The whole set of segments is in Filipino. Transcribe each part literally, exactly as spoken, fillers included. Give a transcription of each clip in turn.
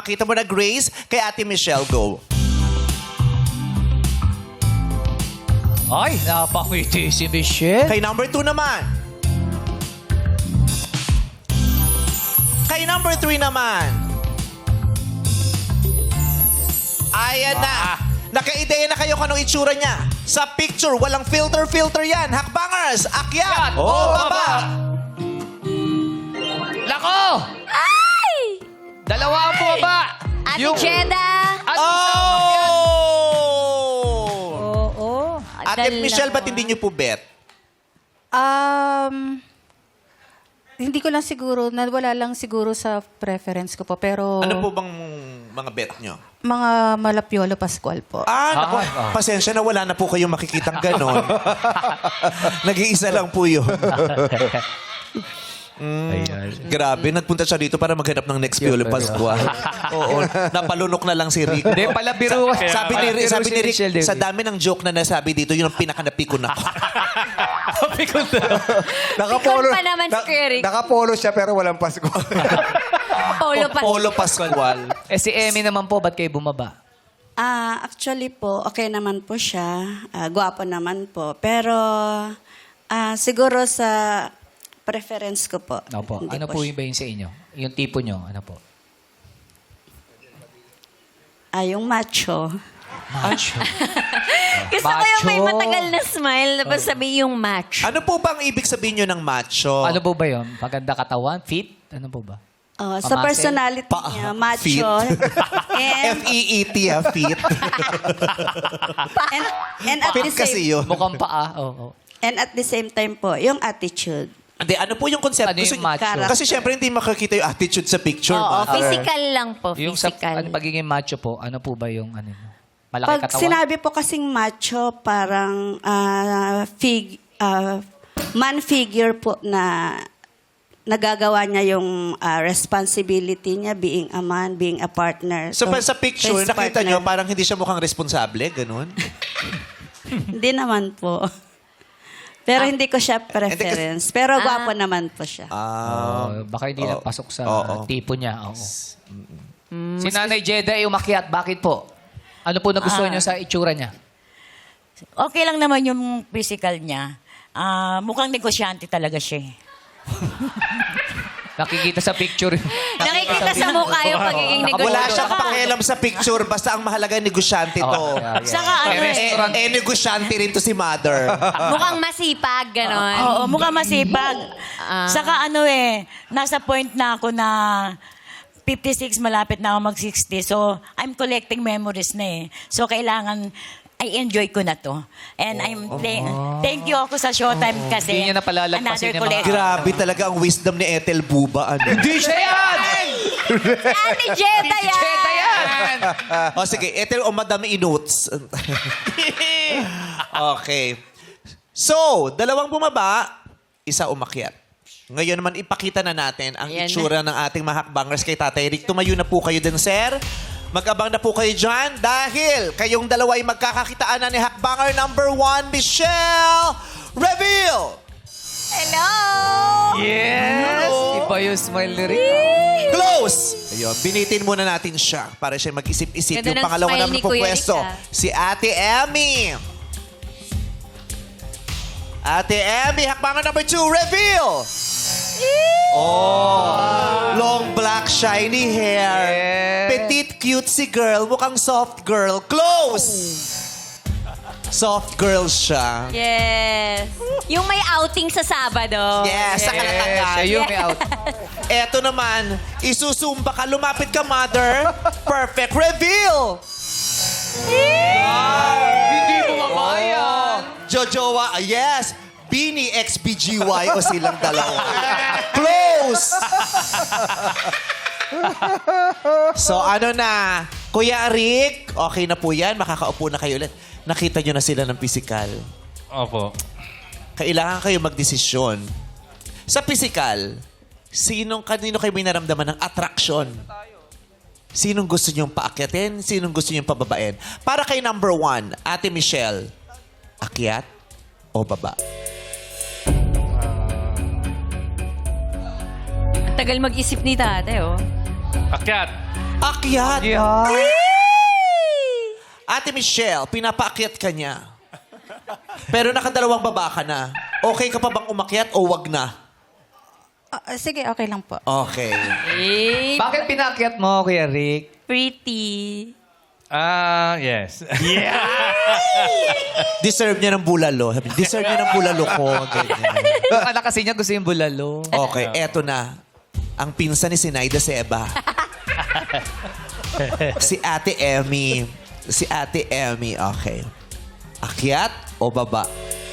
ipakita mo na, Grace, kay Ate Michelle. Go. Ay, napakiti si Michelle. Kay number two naman. Kay number three naman. Ayan na. Nakaideya na kayo kung anong itsura niya. Sa picture, walang filter-filter yan. Hakbangers, akyat o Oh, baba. Lako! Ay! Dalawa ang bumaba. Ate Yung- Jeda! At Oh! Oo. Ate Michelle, ba't hindi niyo po bet? Um, hindi ko lang siguro, wala lang siguro sa preference ko po. Pero Ano po bang mga bet niyo? mga Malapiolo Pascual po. Ah, naku, Ah, ah. pasensya na wala na po kayong makikitang ganon. Nag-iisa lang po yun. Mm, grabe, nagpunta siya dito para maghanap ng next Piolo Pascual. Oo, napalunok na lang si Rick. Hindi, pala biro. Sabi ni, Pala biro sabi si ni Rick, Michelle, David. sa dami ng joke na nasabi dito, yun ang pinakanapikon ako. Napikon na. Pikon pa naman si Kuya Rick. Nakapolo siya pero walang Pasko. Polo pa. Polo Pascual. Eh si Emmy naman po, ba't kayo bumaba? Ah, actually po, okay naman po siya. Ah, gwapo naman po. Pero ah, siguro sa preference ko po. Opo. hindi Ano po siya- yung ba yung sa inyo? Yung tipo nyo, ano po? Ah, yung macho. Macho. Gusto ko yung may Macho. matagal na smile, tapos sabi yung match. Ano po bang ibig sabihin nyo ng macho? Ano po ba yun? Maganda katawan? Fit? Ano po ba? Oh, sa Pamasel? personality Pa- niya, Fit. macho. and, F E E T, ha, fit. and, and at the Fit kasi same yun. Mukhang paa. Oo. Oh, and at the same time po, yung attitude. Hindi, ano po yung concept? Ano yung Gusto- macho? Kasi syempre hindi makakita yung attitude sa picture. Oo, ma. physical lang po, Yung sa physical. ano, pagiging macho po, ano po ba yung ano? Malaki Pag katawan? sinabi po kasing macho, parang ah, fig, ah, man figure po na nagagawa niya yung ah, responsibility niya, being a man, being a partner. So, pa- sa picture, his nakita nyo, partner. parang hindi siya mukhang responsable, ganun. Hindi naman po. Pero hindi ko siya preference. Pero gwapo naman po siya. Ah, Oh, baka hindi Oo. lang pasok sa Oo. tipo niya. Oo. Si Nanay Jeda ay umakyat. Bakit po? Ano po nagustuhan niyo sa itsura niya? Okay lang naman yung physical niya. Ah, mukhang negosyante talaga siya. eh. Nakikita sa picture. Nakikita sa mukha yung pagiging Nakabulo. wala negosyo. siyang pakialam sa picture, basta ang mahalaga negosyante to. Oh, yeah, yeah. Saka ano Eh, eh, eh, eh, negosyante rin to si mother. Mukhang masipag, ganon. oo, mukhang masipag. Ah. Saka ano eh, nasa point na ako na fifty-six, malapit na ako mag-sixty. So, I'm collecting memories na eh. So, kailangan, I enjoy ko na to. And I'm, thank, thank you ako sa Showtime kasi. Hindi niya na palalagpasin another yung mga- collection. Grabe talaga ang wisdom ni Ethel Buba. Ano? Hindi siya yan! Ate Jeda yan! Jeda yan! O sige, Ethel o madami i-notes. Okay. So, dalawang bumaba, isa umakyat. Ngayon naman, ipakita na natin ang Ayan itsura ng ating mga hakbangers kay Tatay Rick. Tumayo na po kayo din, sir. Mag-abang na po kayo dyan dahil kayong dalawa ay magkakakitaan na ni hakbanger number one, Michelle Reveal! Hello! Yes! Iba yung smile ni Rick. Close! Ayun, binitin muna natin siya para siya mag-isip-isip. Ganda Yung ng pangalawa smile naman ni po Kuya pwesto, Rick, ah. si Ate Emmy. Ate Emmy, hakbangan number two, reveal! Oh, long black shiny hair. Petite cutesy girl, mukhang soft girl. Close! Soft girl siya. Yes. Yung may outing sa Sabado. Yes, sa Kalatagan. Siya yung may out. Eto naman, isusumba ka, lumapit ka, mother. Perfect reveal! Hindi mo mamaya. Jojowa, ah, yes. Bini X B G Y o silang dalawa. Close! So ano na, Kuya Rick, okay na po yan. Makakaupo na kayo ulit. Nakita nyo na sila ng physical. Opo. Kailangan kayo magdesisyon. Sa physical, sinong, kanino kayo may naramdaman ng attraction? Sinong gusto nyong paakyatin? Sinong gusto nyong pababain? Para kay number one, Ate Michelle, akyat o baba? Tagal mag-isip ni tate, oh. Akyat. Akyat. Yeah. Ate Michelle, pinapaakyat ka niya. Pero nakadalawang baba ka na. Okay ka pa bang umakyat o wag na? Ah, ah, sige, okay lang po. Okay. Eh, Bakit pinakyat mo, Kuya Rick? pretty. Ah, yes. Deserve niya ng bulalo. Sabi, deserve niya ng bulalo ko. Ganyan. Yung anak kasi niya gusto yung bulalo. Okay, eto na. Ang pinsan ni Sinaida Seba. Si Ate Emmy. Si Ate Emmy, okay. Akyat o baba?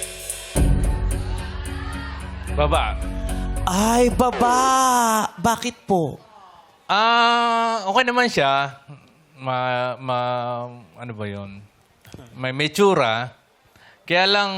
Baba. Ay, baba! Bakit po? Ah, okay naman siya. Ma, ma, ano ba yun? May metsura. Kaya lang,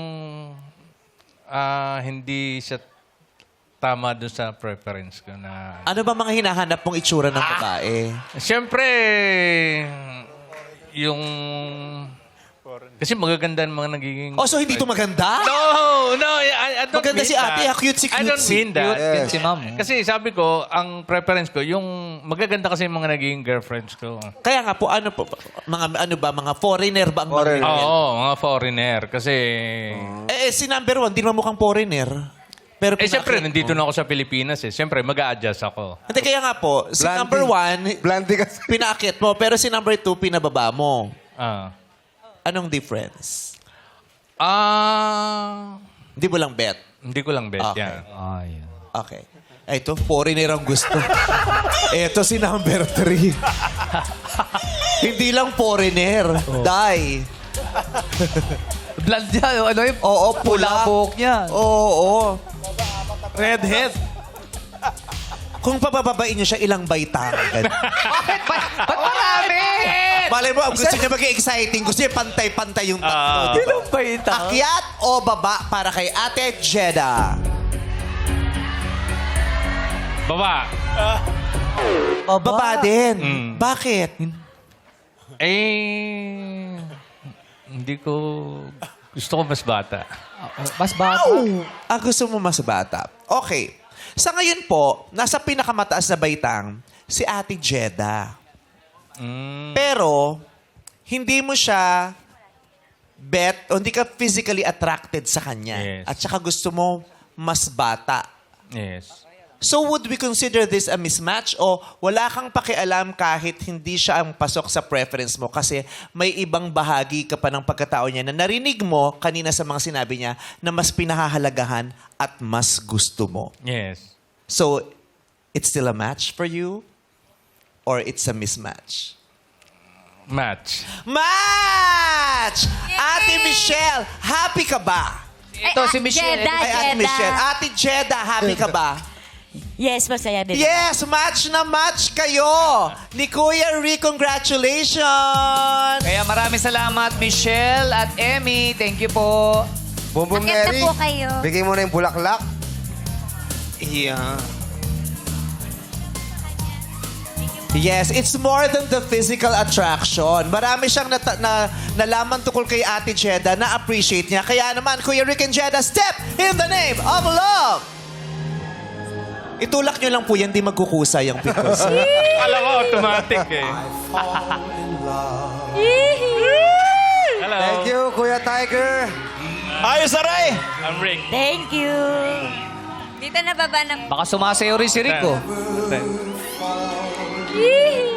ah, hindi siya tama doon sa preference ko na... Ano ba mga hinahanap mong itsura ng babae? Siyempre, yung... Kasi magaganda ang mga nagiging... Oh, so hindi to maganda? No, no, I, I don't Maganda mean si ate, that. ah, cutesy, I don't cutesy. mean that. Cute din si ma'am. Kasi sabi ko, ang preference ko, yung magaganda kasi yung mga naging girlfriends ko. Kaya nga po, ano po, mga ano ba, mga foreigner ba ang Foreigner. mga Oo, mga foreigner. Kasi, Eh, eh, si number one, di naman mukhang foreigner. Pero eh siyempre, pinakit nandito mo. na ako sa Pilipinas eh. Siyempre, mag-a-adjust ako. Hindi, kaya nga po, si Blandy. number one, Blandy kasi. pinakit mo, pero si number two, pinababa mo. Ah. Anong difference? Ah, Hindi mo lang bet. hindi ko lang bet Okay. yan. Okay. Ay, ito, foreigner ang gusto. Ito si number three. Hindi lang foreigner. Die. Blood niya, ano yung Oo, pula pula. buhok niya. Oo, oo. Redhead. Kung pabababain niyo siya, ilang baitang. Bakit? Ba't ba't marami? Malay mo, ang gusto niya maging exciting. Gusto niya pantay-pantay yung tatlo. di ba? Ilang baita? Akyat o baba para kay Ate Jeda? Baba. Baba din. Mm. Bakit? Eh, hindi ko... Gusto ko mas bata. Mas bata. Ah, gusto mo mas bata. Okay. Sa ngayon po, nasa pinakamataas na baitang, si Ate Jeda. Mm. Pero, hindi mo siya bet o hindi ka physically attracted sa kanya. Yes. At saka gusto mo mas bata. Yes. So would we consider this a mismatch o wala kang pakialam kahit hindi siya ang pasok sa preference mo kasi may ibang bahagi ka pa ng pagkatao niya na narinig mo kanina sa mga sinabi niya na mas pinahahalagahan at mas gusto mo. Yes. So, it's still a match for you or it's a mismatch? Match. Match! Ate Michelle, happy ka ba? Ito si Michelle. Jeda, Ay, Ate Jeda. Michelle. Ate Jeda, happy ka ba? Yes, masaya din. Yes, match na match kayo! Ni Kuya Rick, congratulations! Kaya maraming salamat, Michelle at Emmy. Thank you po. Bumbong Akyat na Neri. po kayo. Bigay mo na yung bulaklak. Yeah. Yes, it's more than the physical attraction. Marami siyang nata- na, nalaman tukol kay Ate Jeda na appreciate niya. Kaya naman, Kuya Rick and Jeda, step in the name of love! Itulak niyo lang po yan, di magkukusa yung pickles. Alam ko, automatic eh. Hello. Thank you, Kuya Tiger. Ayos, Aray! I'm Rick. Thank you. Dito na baba ng... Baka sumasayo rin si Rico. Thanks. Yee!